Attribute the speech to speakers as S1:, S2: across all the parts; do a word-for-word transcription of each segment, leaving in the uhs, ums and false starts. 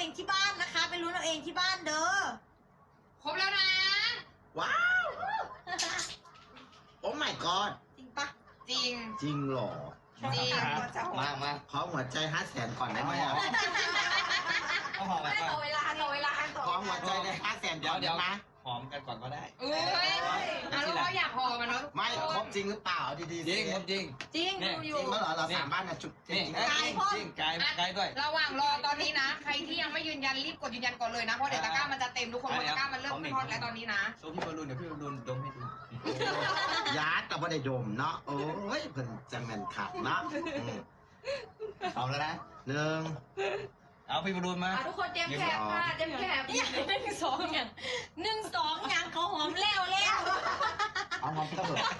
S1: องที่บ้านนะคะไปลุ้นเอาเองที่บ้านเด้อ
S2: ครบแล้วนะ
S3: ว้าวโอ้ my god
S1: จริงปะ
S2: จริง
S3: จริงหรอ
S2: จริง
S3: มามาขอหัวใจห้าแสนก่อนได้ไหมอ่ะ
S4: เอาหอมกันก่อน
S1: ต่อเวลาต่อเวลาต่อ
S3: ขอหัวใจได้ห้าแสนเดี๋ยวเดี๋ยวนะ
S4: หอมกันก่อนก็ได้
S2: เอ้ยแล้วเราอยากหอมมันเนาะ
S3: ไม่ครบจริงหรือเปล่าดีๆ
S4: จริงครับจริง
S1: จริงดูอยู่
S3: จริงเมื่อเหรอเราสามบ้านนะจุดจริง
S1: กายพ่อ
S4: จริงกายกายด้วย
S2: ระหว่างรอตอนนี้นะ ใครที่ยังไม่ยืนยันรีบกดยืนยันก่อนเลยนะเพราะเดี๋ยวตะกร้ามันจะเต็มทุกคนเพราะตะกร้ามันเริ่มขึ้นฮอตแล้วตอนนี้นะ
S4: โซพี่บอลลูนเดี๋ยวพี่บอลลูนดมให้ดู
S3: ยาดแต่ว่าได้ดมเนาะโอ้ยเพิ่นจะแม่นขัดเนาะเอาแล้วนะหนึ่ง
S4: เอาพี่บอลลูนมา
S1: ทุกคนเตรียมแคบค่ะเตรียมแคบอย่างหนึ่งสองอย่างหนึ่งสองอย่างเขาหอมแล้วแล้ว
S3: เอาหอมก็เถอะ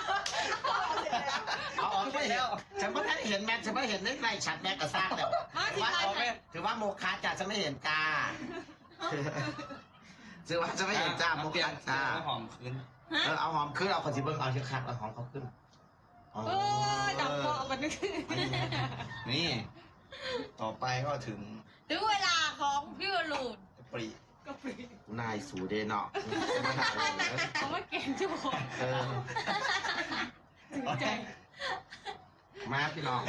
S3: เอาออกไม่เห็นฉันไม่ได้เห็นแม็กฉันไม่เห็นได้ไรฉัดแม็กกระซ่าแล้วถือว่าถือว่าโมคาจ้าฉันไม่เห็นกาถือว่าฉันไม่เห็นจ้าโมคาจ้า
S4: หอมขึ้น
S3: เออเอาหอมขึ้นเอาคนสิเบิ้งเอาเชือกขาดเอาหอมเขาขึ้น
S1: เออดับคอมันนึก
S4: นี่ต่อไปก็ถึง
S1: ถึงเวลาของพี่วรูน
S4: ปรี
S1: ก็ปรี
S3: นายสูเดนเนาะ
S1: เขามาเก่งจุ๊บ
S3: เออมาพี่น้อง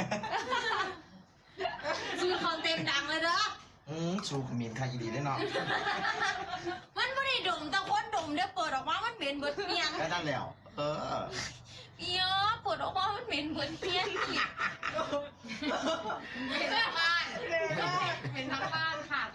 S1: สูคอนเต็มดังเลยเด้อ
S3: อืมสูขมิ้นค่ะอีดีได้เนาะ
S1: มันไม่ได้ดมแต่คนดมได้เปิดออกมามันเหม็นเบิดเพียง
S3: ได้ได้แล้วเออ
S1: เยอะเปิดออกมามันเหม็นเบิดเพียง
S2: เป็นทั้งบ้านเป็นทั้งบ้านค่ะ